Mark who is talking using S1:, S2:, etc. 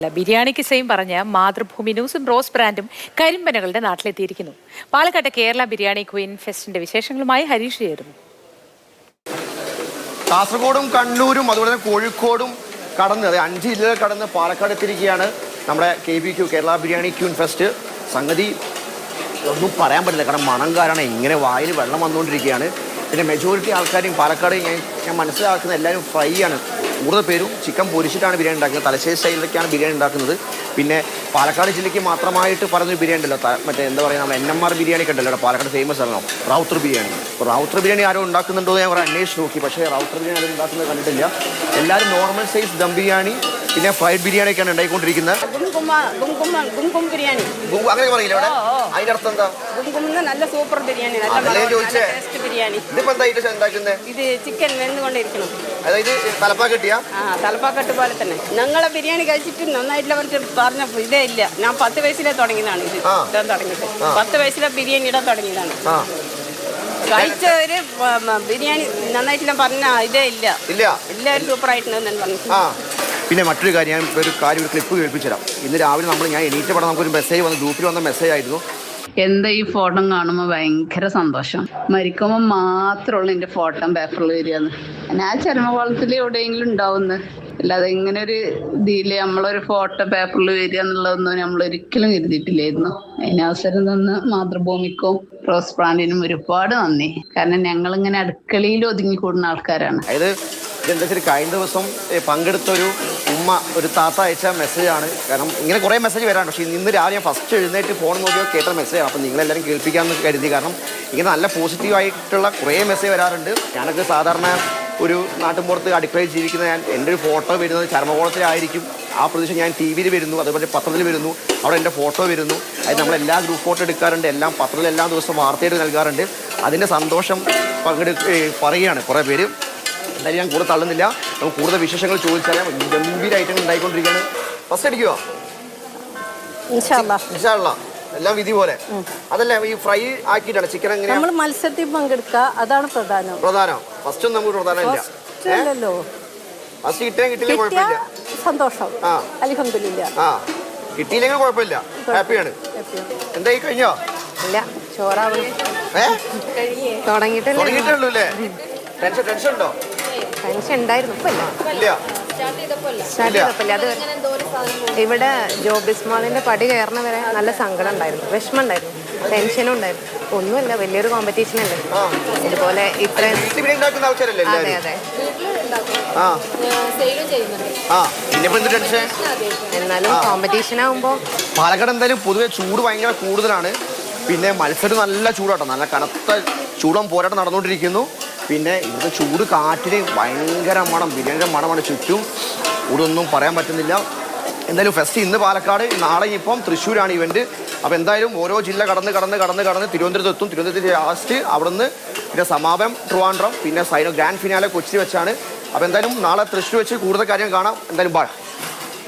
S1: ബിരിയാണിക്ക് സെയിം പറഞ്ഞ മാതൃഭൂമി ന്യൂസും റോസ് ബ്രാൻഡും കരിമ്പനകളുടെ നാട്ടിലെത്തിയിരിക്കുന്നു. പാലക്കാട്ടെ കേരള ബിരിയാണി ക്വീൻ ഫെസ്റ്റിന്റെ വിശേഷങ്ങളുമായി ഹരീഷ് ചേരുന്നു.
S2: കാസർഗോഡും കണ്ണൂരും അതുപോലെ തന്നെ കോഴിക്കോടും കടന്ന് 5 ജില്ലകൾ കടന്ന് പാലക്കാട് എത്തിയിരിക്കുകയാണ് നമ്മുടെ KBQ Kerala biryani queen fest. സംഗതി ഒന്നും പറയാൻ പറ്റില്ല, കാരണം മണം കാരണം ഇങ്ങനെ വായിൽ വെള്ളം വന്നുകൊണ്ടിരിക്കുകയാണ്. പിന്നെ മെജോറിറ്റി ആൾക്കാരും പാലക്കാട് ഞാൻ മനസ്സിലാക്കുന്ന എല്ലാവരും ഫ്രൈ ആണ്. കൂടുതൽ പേരും ചിക്കൻ പൊരിച്ചിട്ടാണ് ബിരിയാണി ഉണ്ടാക്കുന്നത്. തലശ്ശേരി സ്റ്റൈലിലൊക്കെയാണ് ബിരിയാണി ഉണ്ടാക്കുന്നത്. പിന്നെ പാലക്കാട് ജില്ലയ്ക്ക് മാത്രമായിട്ട് പറഞ്ഞൊരു ബിരിയാണി ഉണ്ടല്ലോ, മറ്റേ എന്താ പറയുക, നമ്മൾ NMR ബിരിയാണി ഒക്കെ ഉണ്ടല്ലോ പാലക്കാട് ഫേമസ് ആണല്ലോ, റൗത്തർ ബിരിയാണി. അപ്പോൾ റൗത്തർ ബിരിയാണി ആരും ഉണ്ടാക്കുന്നുണ്ടോ ഞാൻ കുറേ അന്വേഷിച്ച് നോക്കി, പക്ഷേ റൗത്തർ ബിരിയാണി ആരും ഉണ്ടാക്കുന്നത് കണ്ടിട്ടില്ല. എല്ലാവരും നോർമൽ സൈസ് ദം ബിരിയാണി പിന്നെ ഫ്രൈഡ് ബിരിയാണിയൊക്കെയാണ് ഉണ്ടായിക്കൊണ്ടിരിക്കുന്നത്. അങ്ങനെ പറയില്ല ഇവിടെ, അതിന്റെ അർത്ഥം എന്താ?
S3: നല്ല സൂപ്പർ ബിരിയാണി,
S2: ഇതിപ്പോ എന്തായിട്ട് ഉണ്ടാക്കുന്നത്?
S3: ഇത് ചിക്കൻ വെന്തുകൊണ്ടിരിക്കണം.
S2: അതായത് തലപ്പാക്കെട്ടിയാ?
S3: തലപ്പാക്കെട്ട് പോലെ തന്നെ. ഞങ്ങളെ ബിരിയാണി കഴിച്ചിട്ട് നന്നായിട്ടില്ല പറഞ്ഞ ഇതേ ഇല്ല. ഞാൻ 10 വയസ്സിലെ തുടങ്ങിയതാണ് ഇത് ഇടാൻ തുടങ്ങിയിട്ട്. 10 വയസ്സിലെ ബിരിയാണി ഇടാൻ തുടങ്ങിയതാണ്. കഴിച്ചവര് ബിരിയാണി നന്നായിട്ടില്ല പറഞ്ഞ ഇതേ ഇല്ല. എല്ലാവരും സൂപ്പർ ആയിട്ടുണ്ടെന്ന് പറഞ്ഞു.
S2: പിന്നെ മറ്റൊരു കാര്യം, ഞാൻ ഒരു ക്ലിപ്പ് കേൾപ്പിച്ചു തരാം. ഇന്ന് രാവിലെ ഞാൻ എണീറ്റ് പടം നമുക്കൊരു മെസ്സേജ് വന്നു, ഗ്രൂപ്പിൽ വന്ന മെസ്സേജ് ആയിരുന്നു.
S4: എന്താ ഈ ഫോട്ടോ കാണുമ്പോൾ ഭയങ്കര സന്തോഷം. മരിക്കുമ്പോൾ മാത്രമുള്ള എൻ്റെ ഫോട്ടോ പേപ്പറിൽ വരികയെന്ന്. ഞാൻ ചരമകോളത്തിൽ എവിടെയെങ്കിലും ഉണ്ടാവുന്നു, അല്ലാതെ ഇങ്ങനെ ഒരു ഇതിൽ നമ്മളൊരു ഫോട്ടോ പേപ്പറിൽ വരിക എന്നുള്ളതൊന്നും നമ്മൾ ഒരിക്കലും കരുതിയിട്ടില്ലായിരുന്നു. അതിനവസരം തന്ന് മാതൃഭൂമിക്കും റോസ് ബ്രാൻഡിനും ഒരുപാട് നന്ദി. കാരണം ഞങ്ങളിങ്ങനെ അടുക്കളയിൽ ഒതുങ്ങിക്കൂടുന്ന ആൾക്കാരാണ്.
S2: ഇതെന്താ വെച്ചാൽ കഴിഞ്ഞ ദിവസം പങ്കെടുത്തൊരു ഒരു താത്ത അയച്ച മെസ്സേജാണ്. കാരണം ഇങ്ങനെ കുറേ മെസ്സേജ് വരാണ്, പക്ഷേ ഇന്ന് രാവിലെ ഞാൻ ഫസ്റ്റ് എഴുന്നേറ്റ് ഫോൺ നോക്കിയോ കേട്ട മെസ്സേജാണ്. അപ്പോൾ നിങ്ങളെല്ലാവരും കേൾപ്പിക്കാമെന്ന് കരുതി. കാരണം ഇങ്ങനെ നല്ല പോസിറ്റീവായിട്ടുള്ള കുറേ മെസ്സേജ് വരാറുണ്ട്. ഞാനൊക്കെ സാധാരണ ഒരു നാട്ടിൻപുറത്ത് അടുക്കളയിൽ ജീവിക്കുന്ന എൻ്റെ ഒരു ഫോട്ടോ വരുന്നത് ചരമകോളത്തിലായിരിക്കും. ആ പ്രദേശം ഞാൻ TV വരുന്നു, അതുപോലെ പത്രത്തിൽ വരുന്നു, അവിടെ എൻ്റെ ഫോട്ടോ വരുന്നു. അത് നമ്മളെല്ലാ ഗ്രൂപ്പ് ഫോട്ടോ എടുക്കാറുണ്ട്, എല്ലാം പത്രത്തിൽ എല്ലാ ദിവസവും വാർത്തയായിട്ട് നൽകാറുണ്ട്. അതിൻ്റെ സന്തോഷം പറയുകയാണ് കുറേ പേര്. എന്തായാലും ഞാൻ കൂടെ തള്ളുന്നില്ല, നമുക്ക് കൂടുതൽ വിശേഷങ്ങൾ ചോദിച്ചാൽ ഗംഭീര ഐറ്റങ്ങൾ ഉണ്ടായിക്കൊണ്ടിരിക്കുകയാണ്. ഫസ്റ്റ് അടിക്കുവോ? എല്ലാം വിധി പോലെ. അതല്ല, ഈ ഫ്രൈ ആക്കിയിട്ടാണ് ചിക്കൻ എങ്ങനെയാ?
S3: നമ്മൾ മത്സരത്തിൽ പങ്കെടുക്കുക, അതാണ് പ്രധാനം.
S2: ഫസ്റ്റ് ഒന്നും നമുക്ക് പ്രധാനമില്ല. ഫസ്റ്റ് കിട്ടിയില്ല കുഴപ്പമില്ല, സന്തോഷം.
S3: അൽഹംദുലില്ലാ.
S2: കിട്ടിയില്ലെങ്കിൽ കുഴപ്പമില്ല, ഹാപ്പിയാണ്. എന്തായി കഴിഞ്ഞോ?
S3: ഇല്ല, ചോറാവണം.
S2: തുടങ്ങിയിട്ടുള്ളൂ അല്ലേ? ടെൻഷൻ ഉണ്ടോ?
S3: ടെൻഷൻ ഉണ്ടായിരുന്നു,
S2: ഇല്ല.
S3: അത് ഇവിടെ ജോബിസ്മാളിന്റെ പടി കയറണ വരെ നല്ല സങ്കടം ഉണ്ടായിരുന്നു, വിഷമം ഉണ്ടായിരുന്നു, ടെൻഷനും ഉണ്ടായിരുന്നു. ഒന്നുമില്ല, വലിയൊരു കോമ്പറ്റീഷൻ അല്ലേ. ഇതുപോലെ ഇത്രയും. അതെ അതെ, എന്നാലും കോമ്പറ്റീഷൻ ആകുമ്പോ
S2: പാലക്കാട് എന്തായാലും പൊതുവെ ചൂട് ഭയങ്കര കൂടുതലാണ്. പിന്നെ മത്സരം നല്ല ചൂടാട്ടോ, നല്ല കനത്ത ചൂടം പോരാട്ടം നടന്നുകൊണ്ടിരിക്കുന്നു. പിന്നെ ഇവിടുത്തെ ചൂട് കാറ്റിന് ഭയങ്കര മണം, ബിരിയാണിയുടെ മണമാണ് ചുറ്റും. ഇവിടൊന്നും പറയാൻ പറ്റുന്നില്ല. എന്തായാലും ഫെസ്റ്റ് ഇന്ന് പാലക്കാട്, നാളെ ഇപ്പം തൃശ്ശൂരാണ് ഇവന്റ്. അപ്പോൾ എന്തായാലും ഓരോ ജില്ല കടന്ന് തിരുവനന്തപുരത്ത് എത്തും. തിരുവനന്തപുരത്ത് ലാസ്റ്റ്, അവിടുന്ന് പിന്നെ സമാപനം ട്രിവാൻഡ്രം, പിന്നെ ഗ്രാൻഡ് ഫിനാലെ കൊച്ചി വെച്ചാണ്. അപ്പോൾ എന്തായാലും നാളെ തൃശ്ശൂർ വെച്ച് കൂടുതൽ കാര്യം കാണാം. എന്തായാലും